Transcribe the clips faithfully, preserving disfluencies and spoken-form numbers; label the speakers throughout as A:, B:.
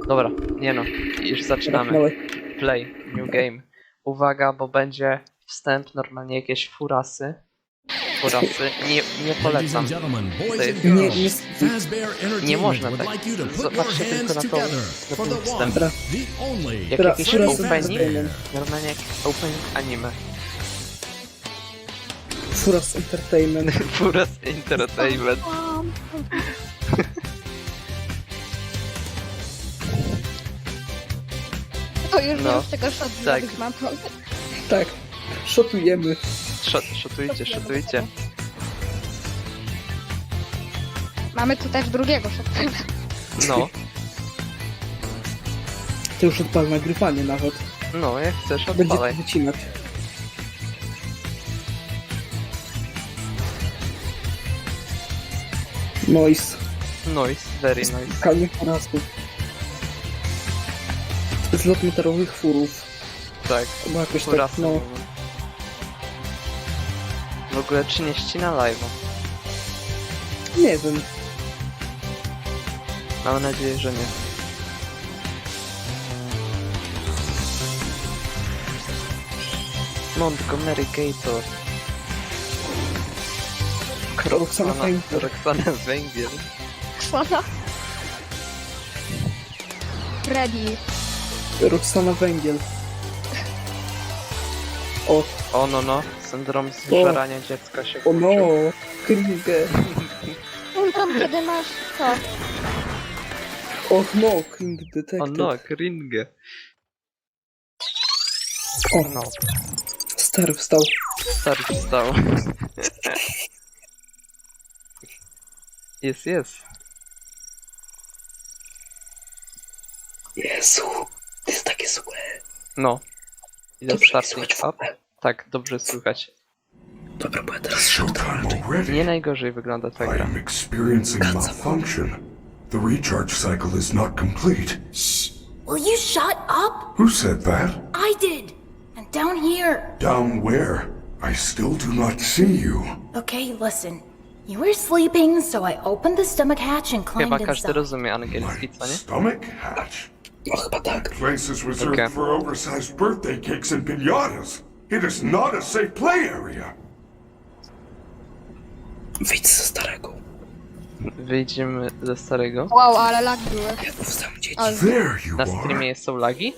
A: Dobra, nie no, już zaczynamy. Play, new game. Uwaga, bo będzie wstęp, normalnie jakieś furasy. Furasy, nie, nie polecam. To jest,
B: Nie, nie,
A: nie można tak. Zobaczcie tylko na, to, na ten wstęp. Jak
B: Dobra,
A: jakiś
B: furasy
A: opening,
B: entertainment.
A: normalnie jak opening anime.
B: Furas Entertainment.
A: Furas Entertainment.
C: To już
A: No,
C: no, już tego shot
A: tak.
C: zrobić mam.
B: Tak. Szotujemy.
A: Szot, szotujcie, szotujcie.
C: Mamy tu też drugiego shota.
A: No,
B: To już odpal nagrywanie nawet.
A: no, jak chcesz,
B: Będzie to
A: odpalaj.
B: wycinać. Noise.
A: Noise, very nice.
B: Kanie porastów. Zlot meteorowych furów.
A: Tak,
B: Chyba jakoś tak,
A: furasy.
B: no.
A: W ogóle czy nie ścina live'a?
B: Nie wiem.
A: Mam nadzieję, że nie. Montgomery Gator.
B: Roxana Węgiel.
A: Roxana Węgiel.
C: Kwona. Freddy.
B: Roxana Węgiel. O,
A: O no no, syndrom zżerania dziecka się
B: o no.
A: włączył.
B: Kringę.
C: Syndrom, kiedy masz to.
B: Och no, Kring
A: O
B: Detective.
A: no, Kringę.
B: O,
A: No,
B: stary wstał.
A: stary wstał. Jest, jest.
B: Jezu, to jest takie złe.
A: No. Idę
B: Dobrze
A: starting
B: słychać w
A: up.
B: ogóle.
A: Tak, dobrze słychać.
B: Dobra, bo ja teraz
D: Showtime already.
A: Nie najgorzej wygląda ta
D: I
A: gra.
D: am experiencing malfunction. The recharge cycle is not complete.
E: Shh! Will you shut up?
D: Who said that?
E: I did! And down here.
D: Down where? I still do not see you.
E: Okay, listen. You were sleeping, so I opened the stomach hatch and
A: Chyba
E: climbed
A: każdy
E: inside.
A: rozumie angielski,
D: My
A: co nie?
D: stomach hatch.
B: No chyba tak.
D: Place is reserved
A: Okay.
D: for oversized birthday cakes and piñatas. It is not a safe play area.
B: Wyjdź ze starego.
A: Wyjdziemy ze starego.
C: Wow, ale lag były.
B: Ja tu wstałem dzieci.
C: Ale...
D: There you
A: Na
D: are.
A: streamie są lagi?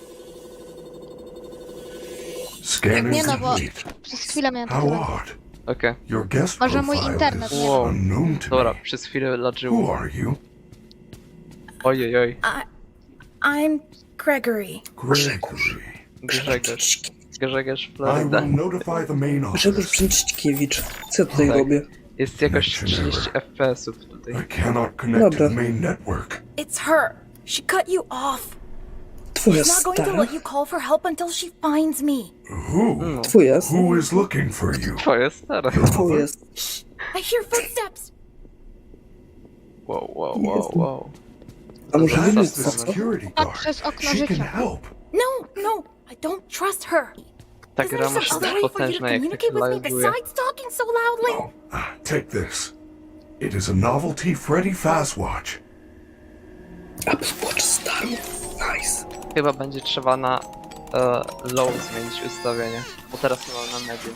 D: Scanning
C: Nie no, bo
D: complete.
C: przez chwilę miałem
D: How
C: takie...
D: odd.
A: Okej.
D: Your guest
C: Może mój
D: profile
C: internet,
D: is
C: nie
A: Wow.
D: unknown to
A: Dobra,
D: me.
A: przez chwilę
D: Who
A: ladziło.
D: are you?
A: Ojej, oj.
E: I'm Gregory.
D: Gregory.
A: Grzegorz. Grzegorz
D: I
A: Florida.
D: will notify the main
B: Grzegorz
D: office.
B: Brzęczykiewicz. Co ja tutaj
A: Tak.
B: robię?
A: Jest jakoś trzydzieści F P S-ów tutaj.
D: I cannot connect to
B: Dobra.
D: the main network.
E: It's her. She cut you off.
B: Twoja
E: She's not going to
B: stara?
E: let you call for help until she finds me.
D: Who?
B: Twoja
D: Who is looking for you?
A: Twoje stare.
B: Twoja
E: I hear footsteps.
A: Wow, wow, wow, wow.
B: A może
A: Zaraz
B: wyjść
D: That's
A: Zaraz
D: the
B: co?
D: security
C: Tak,
D: guard.
C: przez okno
D: She can
C: życia.
D: help.
E: No, no, I don't trust her.
A: Ta
E: Is
A: gra
E: there
A: musi
E: some
A: być
E: other way for you to
A: potężna, jak takie
E: communicate with me
A: live'uje.
E: besides talking so loudly?
D: Oh, ah, take this. It is a novelty Freddy Fazwatch.
B: Apple Watch starą. Nice.
A: Chyba będzie trzeba na e, low zmienić ustawienie. Bo teraz mam na medium.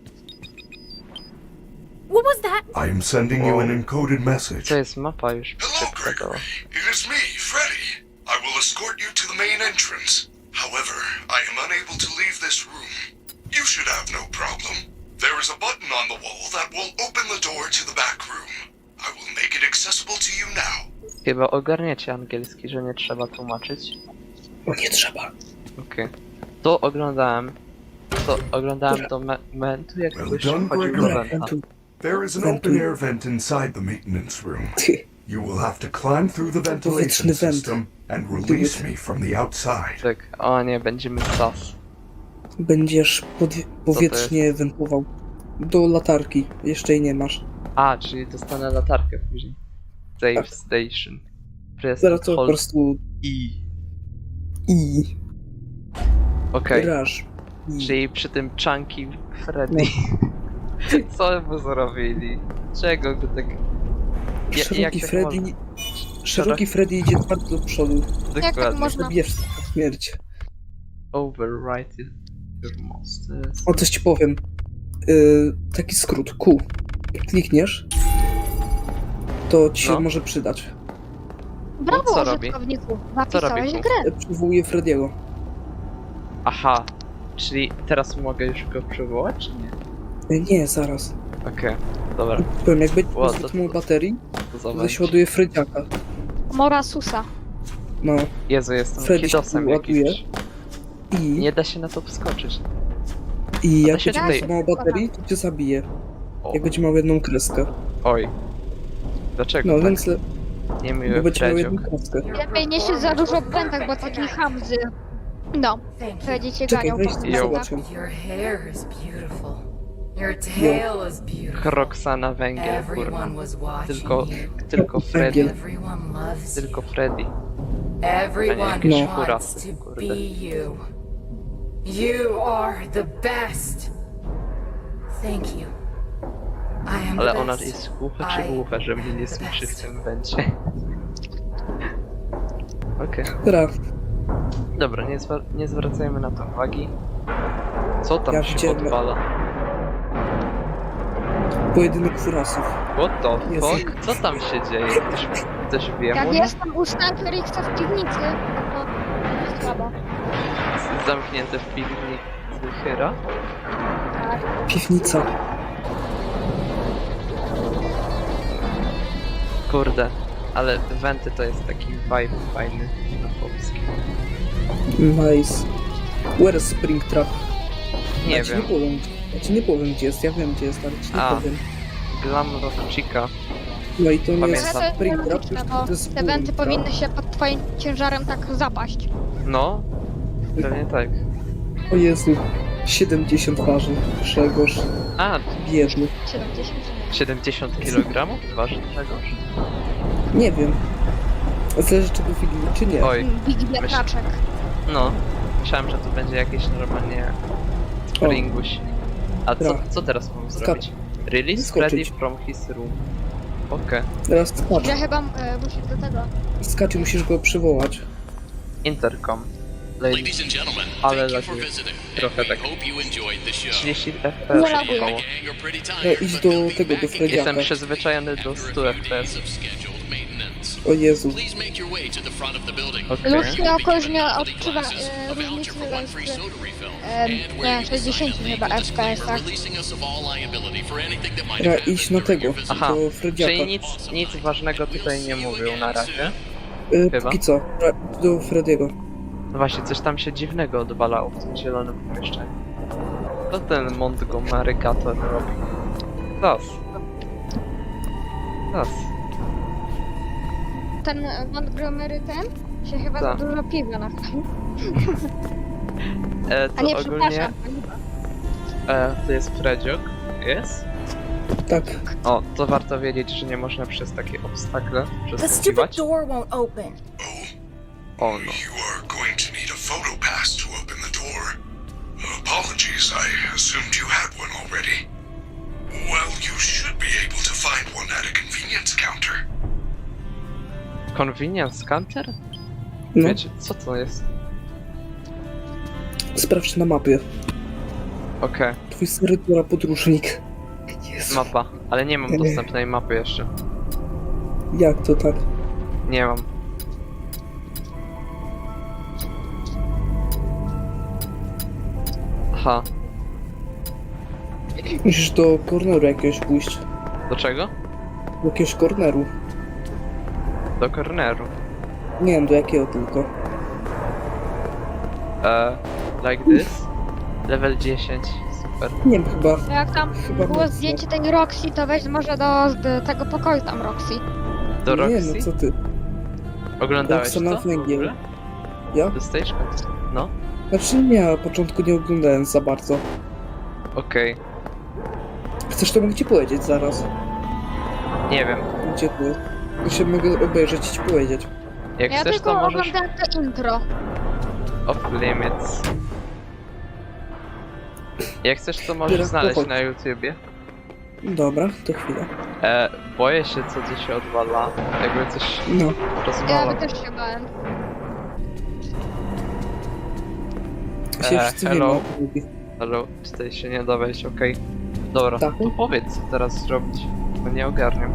E: What was that?
D: I am sending you an encoded message.
A: To jest mapa już się
D: Hello,
A: pokazała.
D: Gregory. It is me, Freddy. I will escort you to the main entrance. However, I am unable to leave this room. You should have no problem. There is a button on the wall that will open the door to the back room. I will make it accessible to you now.
A: Chyba ogarniecie angielski, że nie trzeba tłumaczyć.
B: O nie trzeba.
A: Okej. To oglądałem. To oglądałem do me momentu, jak
D: Well
A: ktoś
D: done,
A: wchodził do
D: Gregory.
A: wenta.
B: Wentu.
D: There is an
B: Ventu-
D: open air vent inside the maintenance room.
B: Ty.
D: You will have to climb through the ventilation
B: Powietrzny węd.
D: system and release me from the outside.
A: Tak, o nie, będziemy sas.
B: Będziesz podwie- powietrznie wentował. Do latarki. Jeszcze jej nie masz.
A: A, czyli dostanę latarkę później. Save
B: Tak.
A: station. Press
B: Zaraz to po
A: hold
B: prostu
A: E.
B: i
A: Okej,
B: grasz. I.
A: czyli przy tym Chunky Freddy. Co mu zrobili? Czego go tak... Ja, jak
B: Szeroki
A: tak
B: Freddy
A: można?
B: Szeroki Freddy idzie bardzo do przodu.
C: Jak tak
A: Dokładnie.
C: można?
B: Zabijesz na śmierć.
A: Overwrite your monsters.
B: O, coś ci powiem. Yy, taki skrót, Q. Klikniesz, to ci się
A: No.
B: może przydać.
C: Brawo,
A: co robi?
C: użytkowniku.
A: Co robi
C: Zapisałeś
A: Q?
C: grę.
B: E, Przywołuje Frediego.
A: Aha, czyli teraz mogę już go przywołać, czy nie?
B: E, Nie, zaraz.
A: Okej, dobra,
B: Powiem, jak będzie
A: Ło,
B: zbyt
A: to-
B: mało baterii,
A: to
B: to
A: zobacz.
B: się ładuje Frediaka.
C: Morasusa.
B: No.
A: Jezu, jestem
B: Freddy się
A: kidosem
B: ładuje.
A: jakimś.
B: I,
A: Nie da się na to wskoczyć.
B: i jak
A: się
B: będzie
A: tutaj-
B: za mało baterii, to cię zabije.
A: O,
B: Jak będzie miał jedną kreskę.
A: oj. Dlaczego
B: No,
A: tak?
B: więc le-
A: Niemiły
B: bo będzie miał
A: Fredziok.
B: jedną kreskę.
C: Lepiej nie się za dużo w błędach, bo taki hamzy. No,
E: Thank you.
C: Freddy cię
B: Czekaj,
C: ganiał
B: weź
C: po
B: tu
A: Yo.
B: zobacz ją.
E: Your hair is beautiful. Your tail is beautiful.
A: Roxana Węgiel, kurwa.
E: Everyone was watching
A: Tylko,
E: you.
A: tylko Freddy.
B: Węgiel.
E: Everyone loves
A: Tylko
E: you.
A: Freddy.
E: Everyone
A: jakieś
B: No.
E: wants
A: furasy,
E: to
A: kurde.
E: be you. You are the best. Thank you. I am
A: Ale
E: the
A: ona
E: best.
A: jest głucha czy
E: I
A: głucha, że mnie nie
E: the
A: słyszy w
E: best.
A: tym będzie. Okej,
B: Dobra,
A: dobra, nie, zwra nie zwracajmy na to uwagi. Co tam
B: Ja
A: się
B: widziałem-
A: odwala?
B: pojedynek furasów.
A: What the
B: Jezu.
A: fuck? Co tam się dzieje? Ktoś, ktoś wie
C: Jak
A: mu?
C: jestem u Sniperixa w piwnicy, to jest słabo.
A: Zamknięte w piwnicy Hyra?
C: Tak.
B: Piwnica.
A: Kurde, ale wenty to jest taki vibe fajny na polskim.
B: Nice. Where is Springtrap?
A: Nie
B: ja ci
A: wiem.
B: nie powiem. Ja ci nie powiem gdzie jest, ja wiem gdzie jest, ale ci nie
A: A.
B: powiem.
A: Glamrock Chica.
B: No i to nie jest
A: Pamiętam.
C: Ale to
B: Springtrap,
C: jest
B: tylko
C: logiczne,
B: to
C: bo
B: jest
C: te wenty
B: Boomtrap.
C: powinny się pod twoim ciężarem tak zapaść.
A: No, pewnie tak.
B: O Jezu. siedemdziesiąt waży. Grzegorz.
A: A,
B: Biedny.
C: siedemdziesiąt.
A: siedemdziesiąt kilogramów waży Grzegorz?
B: Nie wiem. Zależy czy był film, czy nie.
A: Oj,
C: Big wiatraczek.
A: no. Myślałem, że to będzie jakieś normalnie springuś. A co,
B: Dobra.
A: co teraz mam
B: Skacz.
A: zrobić? Release
B: Skoczyć.
A: Freddy from his room. Okej.
B: Teraz skacz.
C: Ja chyba e, musisz do tego.
B: Skacz i musisz go przywołać.
A: Intercom.
F: Ladies and gentlemen,
A: Ale
F: thank you
A: lagi.
F: for visiting.
A: Trochę
F: and we
A: tak.
F: hope you enjoyed the show.
A: trzydzieści F P
C: Nie
A: S
C: laguję.
A: około.
F: Gang are pretty
B: No,
F: tired,
B: idź
F: but
B: do
F: they'll be
B: tego, do
F: back
B: Frediaka.
A: Jestem przyzwyczajony do
F: after a
A: stu
F: few
A: F P
F: days
A: S.
F: of scheduled maintenance.
B: O Jezu.
F: Please make your way to the front of the building.
A: Okej.
C: Lucy jakoś nie
F: Novelty
C: odczuwa
F: glasses,
C: e,
F: a
C: różnicy
F: voucher for one free
C: między
F: soda refill,
C: e,
F: and
C: nie,
F: wearing a
C: sześćdziesiąt
F: signed
C: chyba
F: legal
C: F P S,
F: disclaimer
C: tak?
F: releasing us of all liability for anything that might
B: Trzeba
F: have
B: iść na
F: happened during
B: tego,
F: your visit.
A: Aha,
B: do Frediaka.
A: czyli nic, nic ważnego tutaj nie mówił na razie.
B: Y,
A: chyba.
B: póki co, do Frediego.
A: No właśnie, coś tam się dziwnego odwalało w tym zielonym pomieszczeniu. Co ten Montgomery Gator robi? Las. Las.
C: Ten e, Montgomery ten się chyba
A: Tak.
C: za dużo piwa napił.
A: E,
C: A
A: to
C: nie,
A: ogólnie...
C: przepraszam.
A: E, to jest Fredziok. Jest?
B: Tak.
A: O, to warto wiedzieć, że nie można przez takie obstakle
E: The stupid
A: przeskakiwać.
E: door won't open.
A: O no.
D: You are going to need a photo pass to open the door. Apologies, I assumed you had one already. Well, you should be able to find one at a convenience counter.
A: Convenience counter?
B: No,
A: Wiecie, co to jest?
B: sprawdź na mapie.
A: Okej,
B: Twój serytura podróżnik. Jezu.
A: mapa. Ale nie mam dostępnej mapy jeszcze.
B: Jak to tak?
A: Nie mam. Aha,
B: Musisz do corneru jakiegoś pójść.
A: do czego?
B: Do jakiegoś corneru.
A: Do corneru.
B: Nie wiem do jakiego tylko.
A: E, like this? Level dziesięć, super.
B: Nie wiem, chyba.
C: Jak tam
B: Chyba
C: było
B: mocno.
C: zdjęcie tej Roxy, to weź może do, do tego pokoju tam Roxy.
A: Do
B: Nie,
A: Roxy?
B: no co ty.
A: Oglądałeś to?
B: Roxana
A: w ogóle?
B: Węgiel. Ja?
A: The Stage Cut? No,
B: Znaczy nie, na początku nie oglądałem za bardzo.
A: okej.
B: Chcesz to mogę ci powiedzieć zaraz.
A: Nie wiem.
B: Gdzie ty? To się mogę obejrzeć i ci powiedzieć.
A: Jak
C: Ja
A: chcesz,
C: tylko
A: to możesz...
C: oglądałem to intro.
A: Off limits. Jak chcesz, to możesz
B: Teraz
A: znaleźć
B: pochodź.
A: na YouTubie.
B: Dobra, to chwila.
A: E, boję się, co tu się odwala. Jakby coś
B: No,
C: Ja
A: rozwala.
C: by też się bałem.
B: się
A: E,
B: wszyscy
A: hello.
B: wiemy.
A: Ale tutaj się nie da wejść, okej. Dobra,
B: Tak.
A: to powiedz, co teraz zrobić. Bo nie ogarniam.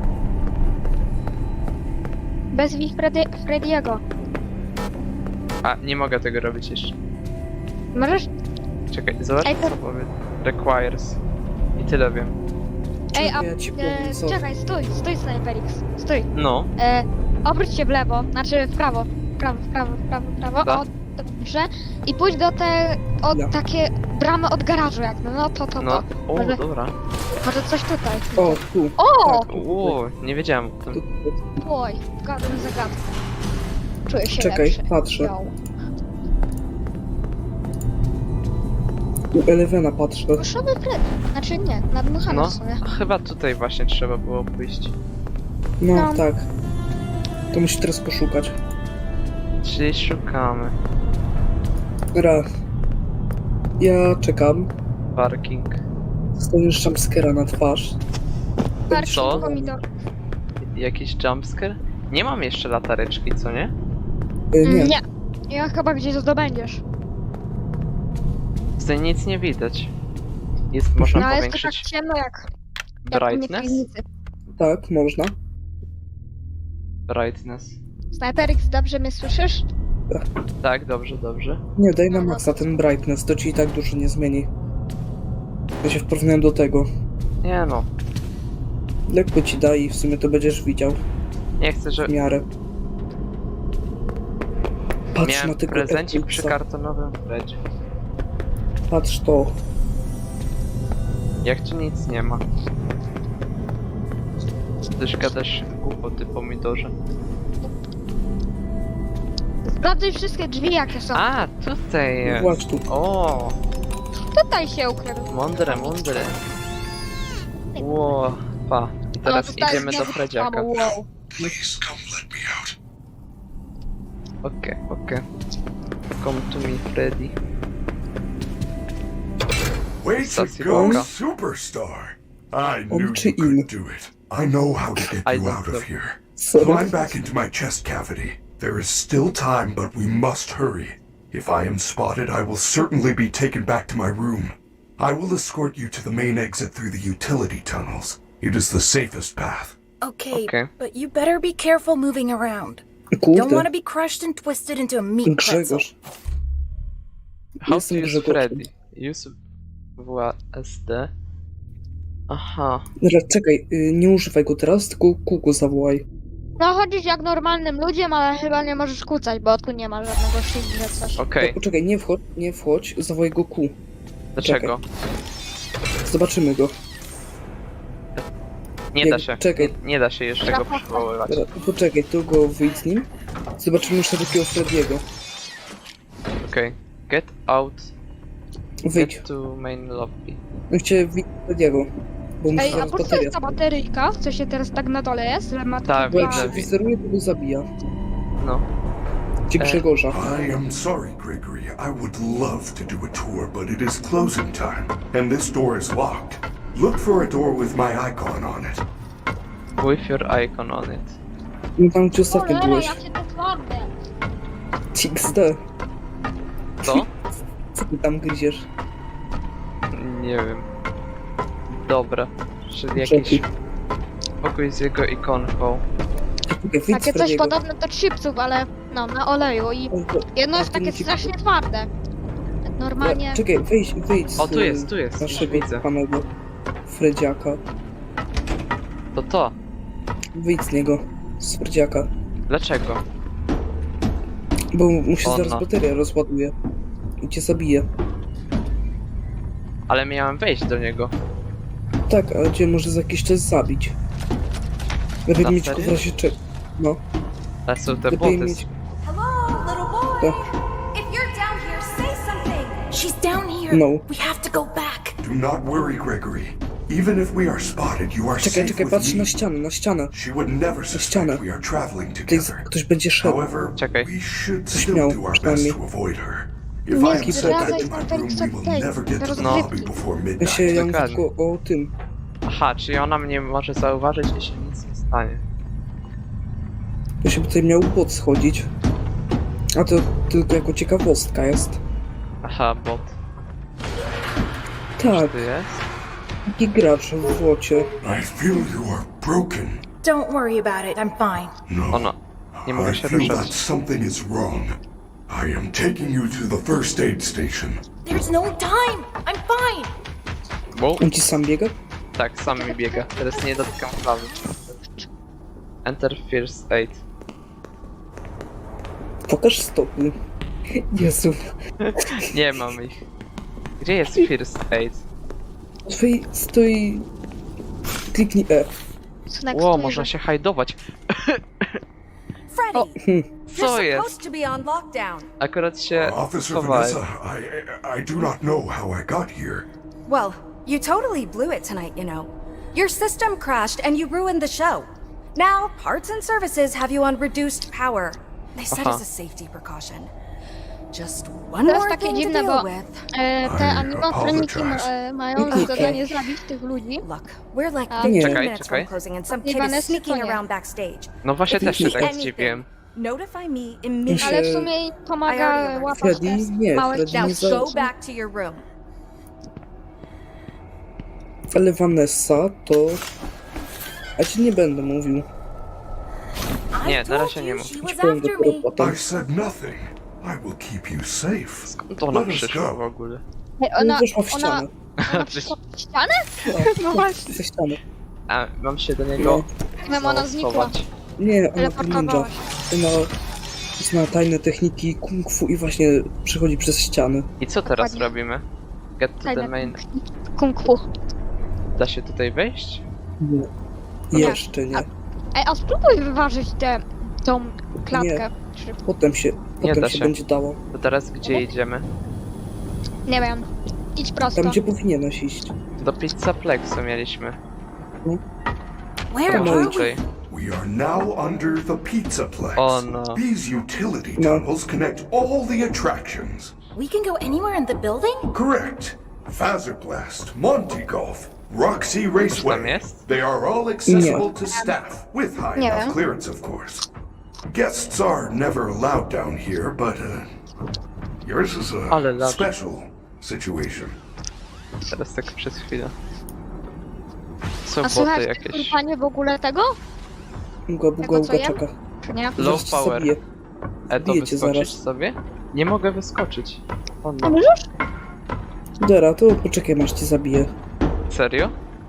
C: Bezwij Freddy, Freddy'ego.
A: A, nie mogę tego robić jeszcze.
C: Możesz?
A: Czekaj, zobacz
C: Ej, to-
A: co powie. Requires. I tyle wiem.
C: Ej, a...
B: Ja ci
C: E,
B: powiem, co.
C: czekaj, stój, stój Sniperix. Stój.
A: No,
C: E, obróć się w lewo, znaczy w prawo. W prawo, w prawo, w prawo, w prawo.
A: Da.
C: O, dobrze. I pójdź do te... O,
B: Da.
C: takie bramy od garażu jakby. No to, to,
A: no.
C: to.
A: O,
C: Może-
A: dobra.
C: Może coś tutaj.
B: O, tu.
C: O!
B: Tak.
A: Uuu, nie wiedziałem o
B: Tu,
A: tym.
B: tu.
C: Oj, gadam zagadkę. Czuję się
B: Czekaj,
C: lepszy.
B: patrzę.
C: Yo.
B: U Elevena patrzę.
C: Muszowy Freddy. Znaczy nie, nadmuchany
A: No,
C: w sumie.
A: chyba tutaj właśnie trzeba było pójść.
B: No,
C: No.
B: tak. To musi teraz poszukać.
A: Czyli szukamy.
B: Raz. Ja czekam.
A: Parking.
B: Dostaniesz jumpscare'a na twarz.
C: Parking
A: Co?
C: pomidor.
A: Jakiś jumpscare? Nie mam jeszcze latareczki, co nie?
B: Y,
C: Mm,
B: nie.
C: nie. Ja chyba gdzieś zdobędziesz.
A: Tutaj nic nie widać. Jest, można
C: No ale jest to tak
A: powiększyć
C: ciemno jak... jak u mnie w
A: brightness?
C: piwnicy.
B: Tak, można.
A: Brightness.
C: Sniperix, dobrze mnie słyszysz?
A: Tak, dobrze, dobrze.
B: Nie, daj na
C: No,
B: maksa ten brightness, to ci i tak dużo nie zmieni. Ja się w porównaniu do tego.
A: Nie no,
B: Lekko ci da i w sumie to będziesz widział
A: nie chcę, że...
B: w miarę. Patrz na
A: Miałem
B: tego
A: prezencik przy
B: Eclipse'a.
A: kartonowym Fredzie.
B: Patrz to.
A: Jak tu nic nie ma. Też gadasz głupoty, pomidorze.
C: Sprawdzaj wszystkie drzwi jakie są.
A: A, tutaj
B: No
A: jest.
B: właśnie tu.
A: O,
C: Tutaj się ukradł.
A: mądre, mądre. Ło, pa. I teraz
C: O, tutaj
A: idziemy do
C: znowu
A: Fredziaka.
C: samo, wow.
D: Please come let me out.
A: Okej, okej. Come to me, Freddy.
D: Way to
A: Sassy
D: go,
A: Boga.
D: superstar! I
B: On
D: knew
B: czy
D: you could
B: in?
D: do it. I know how to get
A: I
D: you
A: don't
D: out
A: know.
D: of here.
B: Sorry.
D: Climb back into my chest cavity. There is still time, but we must hurry. If I am spotted, I will certainly be taken back to my room. I will escort you to the main exit through the utility tunnels. It is the safest path.
E: Okay,
A: Okay.
E: but you better be careful moving around. Don't
B: Kurde,
E: want to be crushed and twisted into a meat pretzel.
B: Grzegorz.
A: How to
B: Jestem
A: use
B: Grzegorzem.
A: Freddy? Use W A S D. Aha.
B: Dobra, czekaj, y, nie używaj go teraz, tylko kółko zawołaj.
C: No chodzisz jak normalnym ludziem, ale chyba nie możesz kucać, bo tu nie ma żadnego shield coś.
A: Okej,
B: No, poczekaj, nie wchodź, nie wchodź, zawołaj go kół.
A: dlaczego?
B: Zobaczymy go.
A: Nie
B: Nie,
A: da się.
B: czekaj.
A: Nie, nie da się jeszcze go przywoływać.
B: Dobra, poczekaj, tu go wyjdź z nim. Zobaczymy szerokiego Frediego.
A: Okej. Get out.
B: Wyjdź.
A: Get to main lobby.
B: No chciałem wyjść Frediego. Bo muszę
C: Ej, a
B: zaraz
C: po co
B: bateria.
C: jest ta bateryjka? Co się teraz tak na dole jest? Że ma
A: Tak,
B: Bo jak
A: widzę.
B: się wizeruje, to go zabija.
A: No.
B: Cię
A: E.
B: Grzegorza.
D: I am sorry, Gregory. I would love to do a tour, but it is closing time, and this door is locked. Look for a door with my icon on it.
A: With your icon on it.
B: No tam gdzie ostatnio
C: Cholera,
B: byłeś.
C: ja cię to twardę.
B: X D.
A: Co?
B: Co ty tam gryziesz?
A: Nie wiem. Dobra. Czyli
B: Czekaj.
A: jakiś pokój z jego ikonką.
B: Czekaj, wyjdź z
C: Takie coś
B: Frediego.
C: podobne do chipsów, ale no, na oleju i
B: On to-
C: jedno
B: on
C: jest
B: to
C: takie
B: nie ci-
C: strasznie twarde. Normalnie...
B: Ja, czekaj, wyjdź, wyjdź z
A: O, tu jest, tu jest, już
B: naszego
A: widzę.
B: panego Fredziaka.
A: To to.
B: Wyjdź z niego, z Fredziaka.
A: Dlaczego?
B: Bo mu się
A: O,
B: zaraz
A: no.
B: bateria rozładuje. I cię zabije.
A: Ale miałem wejść do niego.
B: Tak, ale cię może za jakiś czas zabić. Lepiej
A: Na
B: mieć
A: serio?
B: go w razie czego. No,
A: Ale są te
B: lepiej
A: boty.
B: mieć...
G: Hello, little boy.
B: Tak.
G: If you're down here, say something.
E: She's down here.
B: No.
E: We have to go back.
D: Do not worry, Gregory. Even if we are spotted, you are
B: Czekaj,
D: safe
B: czekaj,
D: with
B: patrz
D: me.
B: na ścianę, na ścianę.
D: She would never
B: ścianę.
D: suspect we are traveling
B: Tutaj z-
D: together.
B: ktoś będzie szedł.
D: However,
A: Czekaj.
D: we should
B: Coś
D: still
B: miał,
D: do our best
B: przynajmniej.
D: to avoid her. If
C: Nie
D: I am sent
B: zdradzaj
D: back to my room, we will
C: tej
D: never get to the
C: rozgrywki.
D: lobby before
B: Ja się
D: midnight.
B: ja mówię
A: Dokładnie.
B: tylko o tym.
A: Aha, czyli ona mnie może zauważyć, jeśli nic nie stanie.
B: To się tutaj miał bot schodzić. A to tylko jako ciekawostka jest.
A: Aha, bot.
B: Tak,
A: Ty jest?
B: taki gracz w bocie.
D: I feel you are broken.
E: Don't worry about it, I'm fine.
D: No,
A: Ona. Nie
D: I
A: mogę się
D: feel
A: ruszać.
D: that something is wrong. I am taking you to the first aid station.
E: There's no time! I'm fine!
A: Wow.
B: On ci sam biega?
A: Tak, sam mi biega. Teraz nie dotykam klawy. Enter first aid.
B: Pokaż stopy. Jezu.
A: Nie mam ich. Gdzie jest first aid?
B: Twój stoi... Kliknij E.
C: Synek,
A: Ło,
C: stoi,
A: można
C: że-
A: się hajdować.
G: Freddy,
B: Hmm.
A: Co
G: you're
A: jest?
G: supposed to be on lockdown.
A: Akurat się
D: Officer
A: schowałem.
D: Vanessa, I, I do not know how I got here.
G: Well, you totally blew it tonight, you know. Your system crashed and you ruined the show. Now, parts and services have you on reduced power. They said
A: Aha.
G: as a safety precaution. Just one
C: To jest
G: more
C: takie
G: thing to
C: dziwne,
G: deal
C: bo
G: with.
C: e, te
D: I
C: animatroniki
D: apologize.
C: e, mają za zadanie zabić tych ludzi.
G: Look, we're like
C: A-
G: fifteen
B: Nie.
A: Czekaj,
G: minutes
A: czekaj.
G: from closing and some
C: Nie,
G: kid is
C: Vanessa,
G: sneaking
C: to nie.
G: around backstage.
A: No właśnie
G: If you
A: też się
G: see
A: tak
G: anything,
A: zdziwiłem.
G: notify me
B: się-
G: immediately.
C: Ale w sumie im pomaga łapać
B: Freddy?
C: te
B: Nie,
C: małe
B: Freddy
G: Now
B: nie
C: dzieci.
B: za-
G: go back to your room.
B: Ale Vanessa to... Ja ci nie będę mówił.
A: Nie,
E: I
A: na
E: told
A: razie nie
E: you
A: mów.
E: she was
B: Powiem
E: after
B: dopiero
E: me.
B: potem.
D: I said nothing. I will keep you safe.
A: Skąd ona
D: Let us
A: przyszła w
D: go.
A: ogóle?
C: Ej, Ona,
B: Weszła w
C: ona,
B: ścianę.
C: ona przyszła w ścianę?
B: Tak,
C: No właśnie.
B: ze ściany.
A: A, mam się do niego
C: Wiem, ona znikła.
A: schować.
B: Nie, ona to
C: Teleportowała
B: ninja.
C: się.
B: Ona zna tajne techniki kung fu i właśnie przechodzi przez ściany.
A: I co teraz
C: Dokładnie.
A: robimy? Get to the
C: Tajne
A: main...
C: Kung fu.
A: Da się tutaj wejść?
B: Nie. Jeszcze nie.
C: Ej, a spróbuj wyważyć tę tą klatkę. Czy,
B: Potem się, potem
A: da
B: się,
A: się.
B: będzie dało.
A: To teraz gdzie idziemy?
C: nie wiem. Idź prosto.
B: Tam, gdzie powinieneś iść.
A: Do Pizzaplexu mieliśmy.
E: Where
B: Come on.
E: are we?
A: Raczej.
D: We are now under the Pizzaplex.
A: Oh, no.
D: These utility
B: No.
D: tunnels connect all the attractions.
E: We can go anywhere in the building?
D: Correct. Fazerblast, Monty Golf, Roxy
A: tam
D: Raceway.
A: jest?
D: They are all accessible to staff, with high
C: Nie
D: enough
C: wiem.
D: clearance, of course. Guests are never allowed down here, but uh, yours is
A: Ale
D: a
A: lat.
D: special situation.
A: Teraz tak przez chwilę.
C: A
A: Są boty
C: słychać
A: jakieś.
C: panie w ogóle tego?
B: Buga, buga,
C: Tego, co
B: buga,
C: jem?
B: czeka.
C: Czy nie?
A: Low
B: Zaraz cię
A: power.
B: zabiję.
A: E, to
B: Zabiję cię
A: wyskoczyć
B: zaraz.
A: sobie? Nie mogę wyskoczyć. O
C: A
A: no.
C: możesz?
B: Dera, to poczekaj, masz cię zabiję.
A: Serio?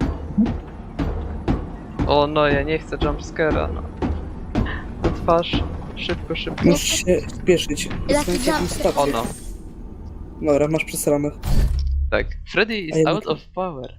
A: O no, ja nie chcę jumpscare'a, no. Na twarz. Szybko, szybko.
B: Musisz się spieszyć.
C: Jaki
B: Jest na takim
C: jump?
B: stację.
A: O no.
B: Dobra, masz przesrane.
A: Tak. Freddy
B: A
A: is
B: ja
A: out
B: nie-
A: of power.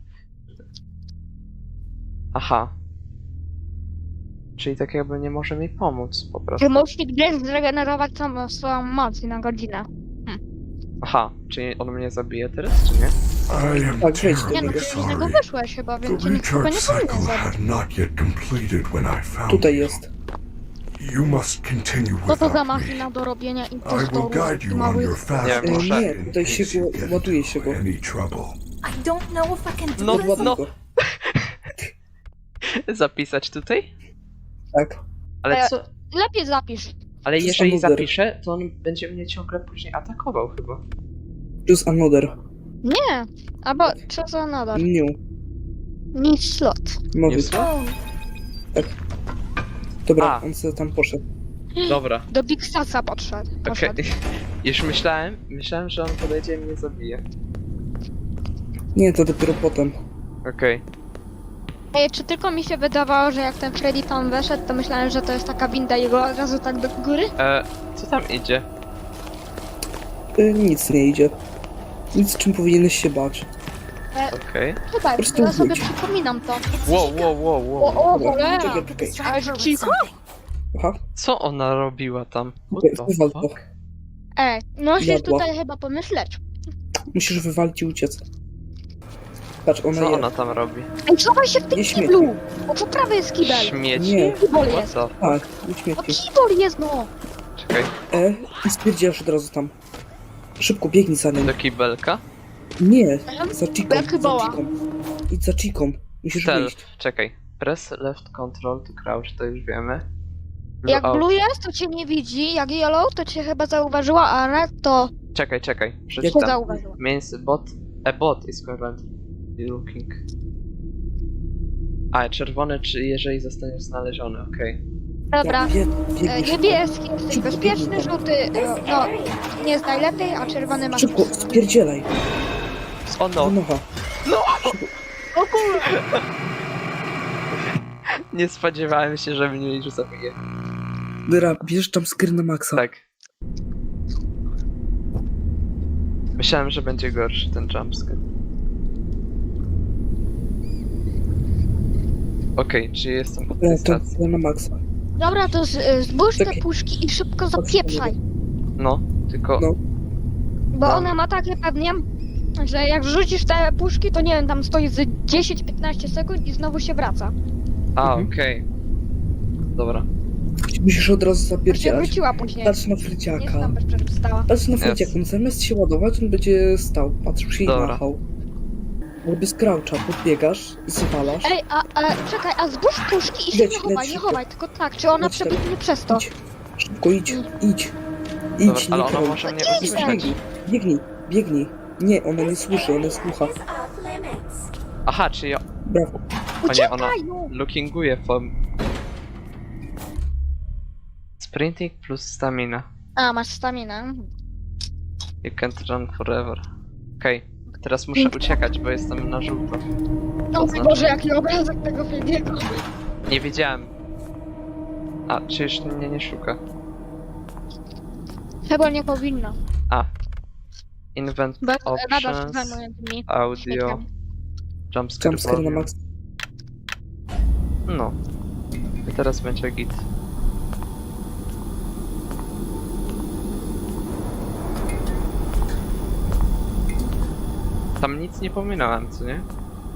A: Aha. Czyli tak jakby nie może mi pomóc po prostu.
C: Czy możesz gdzieś zregenerować samą swoją moc na godzinę?
A: Aha, czyli on mnie zabije teraz, czy nie?
D: I am
B: Tak, wejdź do
C: Nie no,
B: niego.
C: ty z niego
D: sorry.
C: wyszłeś chyba,
D: The
C: więc cię nikt chyba
D: recharge
C: nie powinien
D: cycle
C: zabić.
D: had not yet completed when I found
B: Tutaj
D: you.
B: jest.
D: You must continue
C: Co to za
D: without
C: machina
D: me.
C: do robienia
D: I will
C: impostorów
D: guide
C: i
D: you on
C: małych...
D: your fast
A: Nie,
D: track
A: nie,
D: in
B: tutaj się
D: case you
B: go-
D: get
B: ładuje
D: into
B: się go.
D: any trouble.
E: I don't know if I can do
A: No,
E: this.
B: Ładuj
A: no.
B: go.
A: Zapisać tutaj?
B: Tak.
A: Ale
C: E,
A: co?
C: Lepiej zapisz.
A: Ale
B: to
A: jeżeli
B: samoder.
A: zapiszę, to on będzie mnie ciągle później atakował chyba.
B: Choose another.
C: Nie, albo co za nadal.
B: New.
C: Nic slot.
B: Nowy.
A: Nie słuchaj?
B: Dobra,
A: A.
B: on sobie tam poszedł.
A: Dobra.
C: Do Big Stasa podszedł.
A: Okej.
C: poszedł.
A: Już myślałem, myślałem, że on podejdzie i mnie zabije.
B: Nie, to dopiero potem.
A: Okej.
C: Ej, czy tylko mi się wydawało, że jak ten Freddy tam weszedł, to myślałem, że to jest taka winda i go od razu tak do góry?
A: E, co tam idzie?
B: Y, nic nie idzie. Nic, czym powinieneś się bać.
A: Okej.
C: Chyba,
B: Po prostu
C: ja sobie
B: wróć.
C: przypominam to.
A: Wow, wow, wow, wow.
C: O, o,
B: Dobra,
C: cholera!
B: czekaj,
E: Could
B: czekaj.
E: distract her with
C: Chico?
E: something.
B: Aha,
A: Co ona robiła tam? What the
B: wywal to.
A: fuck?
C: Ej, musisz
B: Jadła.
C: tutaj chyba pomyśleć.
B: Musisz wywalić i uciec. Patrz, ona
A: Co
B: je.
A: ona tam robi?
C: Ej, schowaj się w tym
B: Nie śmieci.
C: kiblu! Bo po prawej jest kibel.
A: Śmieci?
B: Nie.
C: Kibol
A: What
C: jest.
A: the...
B: Tak, nie
C: O,
B: śmieci.
C: kibol jest, no!
A: Czekaj,
B: E i stwierdziłaś od razu tam. Szybko biegnij za nim.
A: do kibelka?
B: Nie, za chiką,
C: Jak
B: za
C: woła.
B: chiką. Idź za chiką. Musisz
A: Stealth,
B: wyjść.
A: czekaj. Press left control to crouch, to już wiemy. Blue
C: Jak
A: out.
C: blue jest, to cię nie widzi, jak yellow, to cię chyba zauważyła, a red to
A: Czekaj, czekaj,
C: cię
A: przeczytam.
C: zauważyła.
A: Means bot, a bot is currently looking. A, czerwony, czy jeżeli zostanie znaleziony, okej.
C: Dobra,
B: Wie,
C: e,
B: biegniesz.
C: niebieski jesteś bezpieczny, żółty, e, no, nie jest najlepiej, a czerwony masz...
B: Szybko, spierdzielaj.
A: O no,
B: Nowa.
C: O kurwa!
A: nie spodziewałem się, że mnie już zabije.
B: Dobra, bierz jumpscare na maksa.
A: Tak. Myślałem, że będzie gorszy ten jumpscare. Okej, czy jestem od tej
B: Dobra, to
A: stacji?
B: na maksa.
C: Dobra, to z, e, zbóż te
B: Czekaj.
C: puszki i szybko zapieprzaj.
A: No, tylko...
B: No.
C: Bo ona ma takie pewnie, że jak wrzucisz te puszki, to nie wiem, tam stoi z dziesięć piętnaście sekund i znowu się wraca.
A: A,
B: Mhm.
A: okej. Dobra.
B: Musisz od razu
C: To się
B: zapierdzielać.
C: wróciła później.
B: Patrz na
C: Nie
B: fryciaka.
C: znam bez przerwy stała.
B: Patrz na
A: Jest.
B: fryciaka. On zamiast się ładować, on będzie stał. Patrzył się i
A: Dobra.
B: machał. Jakby z croucha podbiegasz, zwalasz.
C: Ej, a, a czekaj, a zbóż puszki i się
B: Leć,
C: nie chowaj,
B: leć
C: nie
B: szybko.
C: chowaj, tylko tak, czy ona
B: Leć teraz.
C: przebiegnie przez to.
B: Idź. Szybko idź, idź.
A: Dobra,
B: Idź,
A: ale
B: nie
A: ona
B: krąg.
A: może mnie
C: Idź,
A: usłyszeć.
B: Biegnij, biegnij, biegnij. Nie, ona nie słyszy, ona słucha.
A: Aha, czy ja...
B: Brawo.
A: O nie, ona
C: Uciekaj, no!
A: lookinguje from... Sprinting plus stamina.
C: A, masz staminę.
A: You can't run forever. Okej, teraz muszę uciekać, bo jestem na żółto.
C: O mój
A: znaczy?
C: Boże, jaki obrazek tego filmiego.
A: Nie wiedziałem. A, czy już mnie nie szuka?
C: Chyba nie powinno.
A: A. Invent
C: Bo nadal się
A: options,
C: zajmuję tymi
A: audio,
C: śmieciami.
A: jumpscare
B: Jumpscare na
A: volume.
B: maksa.
A: No. I teraz będzie git. Tam nic nie pominąłem, co nie?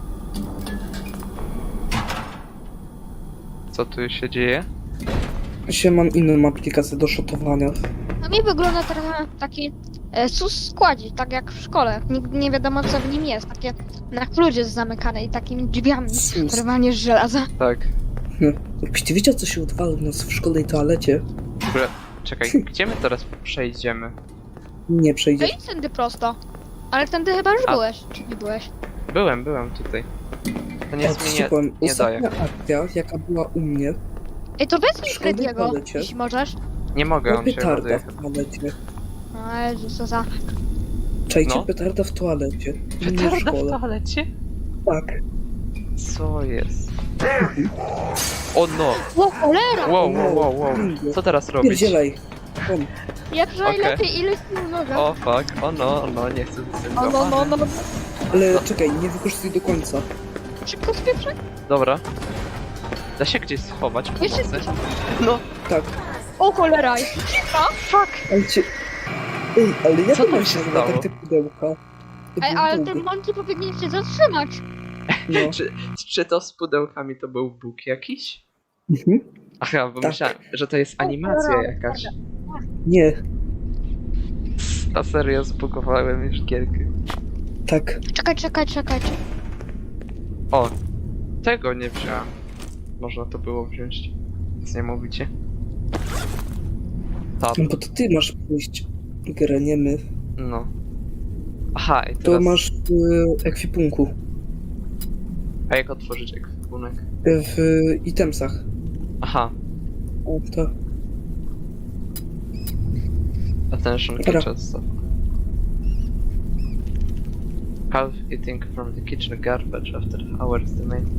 A: Co tu się dzieje?
B: Się mam inną aplikację do shotowania.
C: No mi wygląda trochę taki e, sus składzik, tak jak w szkole. Nigdy nie wiadomo co w nim jest. Takie na kludzie zamykane i takimi drzwiami.
B: Sus.
C: Normalnie z żelaza.
A: Tak.
B: Jakbyś ty wiedział, co się odwala u nas w szkolnej toalecie,
A: W ogóle, czekaj, gdzie my teraz przejdziemy?
B: nie
C: No
B: przejdziesz.
C: i tędy prosto. Ale tędy chyba już
A: A.
C: byłeś, czy nie byłeś?
A: Byłem, byłem tutaj. To
B: Ja
A: nic mi
B: ci
A: nie,
B: powiem,
A: nie daje.
B: ostatnia akcja, jaka była u mnie,
C: Ej, to wezmij
B: W szkolnej
C: Frediego,
B: toalecie.
C: jeśli możesz.
A: Nie mogę,
B: była
A: on się
B: petarda
A: ładuje.
B: w toalecie.
C: No Jezu, co za...
B: Czajcie,
A: No.
B: petarda w toalecie. Nie w
A: Petarda w
B: szkole.
A: toalecie?
B: Tak.
A: Co jest? O no!
C: O cholera!
A: Wow, wow, wow, wow. Co teraz robić?
B: Pierdzielaj. On.
C: Jak
A: Okej.
C: najlepiej ileś sił noga.
A: O fuck, o no, o no, nie chcę z tym
C: O, no, no, no.
B: Ale czekaj, nie wykorzystuj do końca.
C: Szybko spieprzaj.
A: Dobra. Da się gdzieś schować
C: Jeszcze
A: pomocy?
C: spieprzaj.
A: No,
B: Tak.
C: O cholera! Cicha! Fuck!
B: Ale cię... Ej, ale jak
A: Co tam
B: to
A: się
B: się
A: stało?
B: tak te pudełka? To
C: Ej,
B: był
C: ale
B: bóg.
C: ten monkey powinien się zatrzymać.
B: No.
A: czy, czy to z pudełkami to był bóg jakiś?
B: Mhm.
A: Aha, bo
B: Tak.
A: myślałem, że to jest animacja jakaś.
B: Nie,
A: Na serio zbugowałem już gierkę.
B: tak.
C: Czekaj, czekaj, czekaj. czekaj.
A: O, tego nie wziąłem. Można to było wziąć. Nic nie mówicie? Tab,
B: No bo to ty masz pójść grę, nie my.
A: no. Aha, i
B: To
A: teraz...
B: masz w ekwipunku.
A: A jak otworzyć ekwipunek?
B: W itemsach.
A: Aha,
B: O, to.
A: attention
B: Dobra.
A: kitchen stuff. Half eating from the kitchen garbage after hours the main.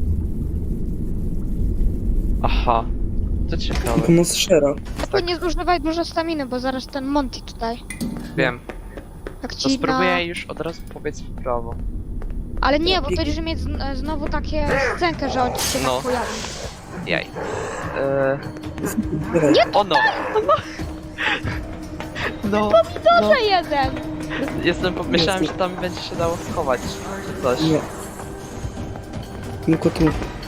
A: Aha, to ciekawe.
B: Pomoc Shera.
C: Tylko nie zużywaj dużo staminy, bo zaraz ten Monty tutaj.
A: Wiem,
C: Jak
A: to
C: ci na...
A: spróbuję już od razu powiedz w prawo.
C: Ale nie, bo
B: Biegnie.
C: będziesz mieć zn- znowu takie scenkę, że on ci się
A: No.
C: tak pojawi.
A: Jaj. Eee,
B: Zbieraj.
A: o no! No, no.
C: To jeden!
A: Jestem, po- myślałem, że tam będzie się dało schować, czy coś.
B: Nie. Tylko tu.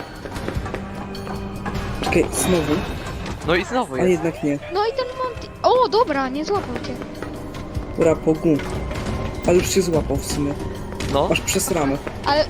B: Czekaj, znowu.
A: No i znowu
B: A
A: jest.
B: jednak nie.
C: No i ten Monty... O, dobra, nie złapał cię.
B: Dobra, pogu. Ale już się złapał w sumie.
A: No,
B: Aż przez ramę.
C: Ale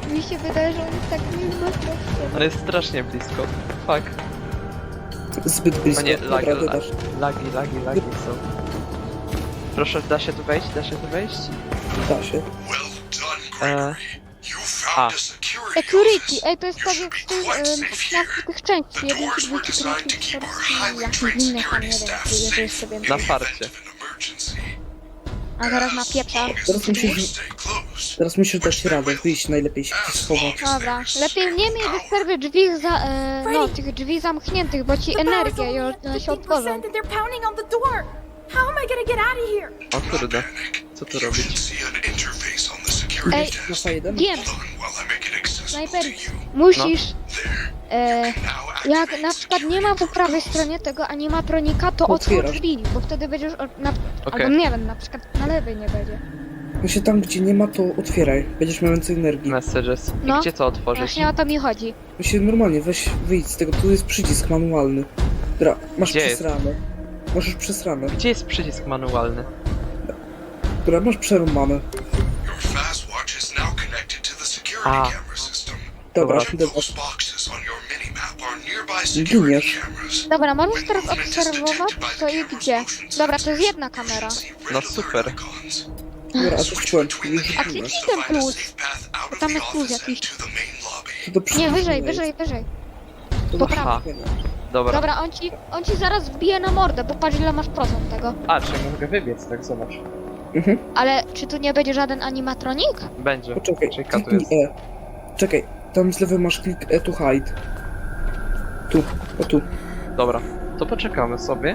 C: mi się wydaje, że on jest tak blisko.
A: On jest strasznie blisko. Fuck.
B: Zbyt
A: O
B: blisko.
A: nie, lag,
B: Dobra,
A: lag,
B: dodasz.
A: lagi, lagi, lagi są. Proszę, da się tu wejść? Da się tu wejść?
B: Da się.
D: Well done,
A: E,
D: Gregory. You found
A: a.
D: a security
C: Security,
D: office.
C: ej, to jest
D: You
C: tak
D: should
C: jak w
D: be
C: tych,
D: quite
C: em,
D: safe
C: na
D: here.
C: tych części,
D: The
C: jeden,
D: doors
C: drugi,
D: were
C: trzeci,
D: designed to
C: czwarty,
D: keep our
C: czwarty,
D: highly
C: jakiś
D: trained
C: inny tam,
D: security
C: nie wiem,
D: staff
C: czy jeżeli
D: safe
C: sobie...
D: in
A: Na
D: the
A: farcie.
D: event of an emergency.
C: A teraz na
D: As
C: pieprza.
D: long as
B: Teraz
D: the
B: musisz-
D: doors stay closed.
B: Teraz musisz dać radę, wyjść, najlepiej się gdzieś
D: As
B: schować.
D: long as
C: Dobra,
D: there is
C: lepiej nie
D: staying
C: mieć
D: power.
C: wystarczy drzwi za, e, no, tych drzwi zamkniętych, bo ci energia i one się otworzą.
E: that they're pounding on the door. How am I gonna get out of here?
A: O kurde.
D: Panic.
A: Co tu
D: You
A: robić?
D: should see an interface on the security
C: Ej,
D: desk.
B: Masa jeden?
C: Wiem,
D: Hold on while I make it accessible
C: snajper,
D: to you.
C: musisz,
D: There.
C: e,
D: Now
C: jak
D: activate
C: na
D: the
C: przykład nie ma po prawej stronie tego animatronika, to otwórz
B: Otwierasz.
C: drzwi, bo wtedy będziesz, o- na,
A: Okej.
C: albo nie wiem, na przykład na lewej nie będzie.
B: Właśnie tam, gdzie nie ma, to otwieraj. Będziesz miał więcej energii.
A: Messages. I
C: No.
A: gdzie to otworzyć?
C: Właśnie o to mi chodzi.
B: Właśnie normalnie, weź, wyjdź z tego, tu jest przycisk manualny. Dobra, masz
A: Gdzie jest?
B: przesrane. Masz już przesrane.
A: Gdzie jest przycisk manualny?
B: Dobra, masz przerąbane.
D: Your fast watch is now connected to the security
A: Ah.
D: camera system.
B: Dobra,
A: Dobra.
B: dobra.
D: Those boxes on your minimap are nearby security
B: Giniesz.
D: cameras.
C: Dobra, możesz
D: When
C: teraz
D: movement is
C: obserwować,
D: detected by
C: co
D: the
C: i
D: camera's
C: gdzie.
D: motion
C: Dobra, to
D: sensors,
C: jest jedna kamera.
D: you should see
A: No
D: red
A: super.
D: alert icons.
B: Dobra, a to
D: Switch
B: wciąłem,
D: between
B: już
D: the
C: A
B: rzuciłem.
C: kliknij
D: to
C: ten
D: find a
C: plus.
D: safe path out of
C: Tam
D: the
C: jest plus
D: office
C: jakiś.
D: and to the main lobby.
B: To do
C: Nie,
B: przodu
C: wyżej,
B: jest.
C: wyżej, wyżej.
B: To
C: po
B: do
A: prawo.
B: przodu.
A: Dobra.
C: Dobra, on ci, on ci zaraz wbije na mordę, bo patrz ile masz procent tego.
A: A, czyli mogę wybiec, tak zobacz.
B: Mhm.
C: Ale czy tu nie będzie żaden animatronik?
A: Będzie.
B: Poczekaj,
A: Czeka tu
B: kliknij
A: jest.
B: E. Czekaj, tam z lewej masz klik E to hide. Tu, o tu.
A: Dobra. To poczekamy sobie.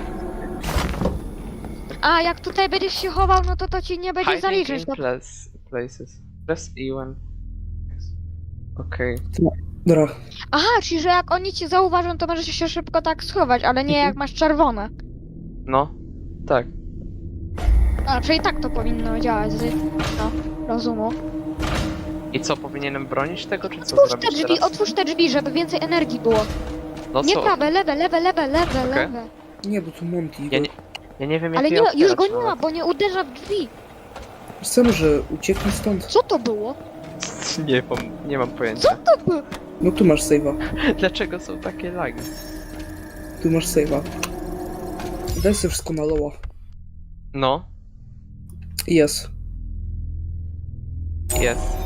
C: A jak tutaj będziesz się chował, no to to ci nie będzie
A: Hiding
C: zaliczyć.
A: in
C: To...
A: place, places. Press E when... Okej.
B: Dobra,
C: Aha, czyli że jak oni cię zauważą, to możesz się szybko tak schować, ale nie
B: Mhm.
C: jak masz czerwone.
A: No. Tak.
C: A, czyli tak to powinno działać z no, rozumu.
A: I co, powinienem bronić tego, czy co
C: Otwórz te
A: zrobić
C: drzwi,
A: teraz?
C: otwórz te drzwi, żeby więcej energii było.
A: No
C: Nie
A: co?
C: prawe, lewe, lewe, lewe, lewe,
A: Okej.
C: lewe.
B: nie, bo tu Monty.
A: Ja nie, ja nie wiem jak
C: Ale
A: je
C: nie, już
A: otwierać
C: go nie ma,
A: nawet.
C: bo nie uderza w drzwi.
B: Sam, że uciekli stąd.
C: Co to było?
A: Nie, pom- nie mam pojęcia.
C: Co to było?
B: No tu masz save'a.
A: Dlaczego są takie lagi?
B: Tu masz save'a. Daj sobie wszystko na loła.
A: No,
B: Jest.
A: jest.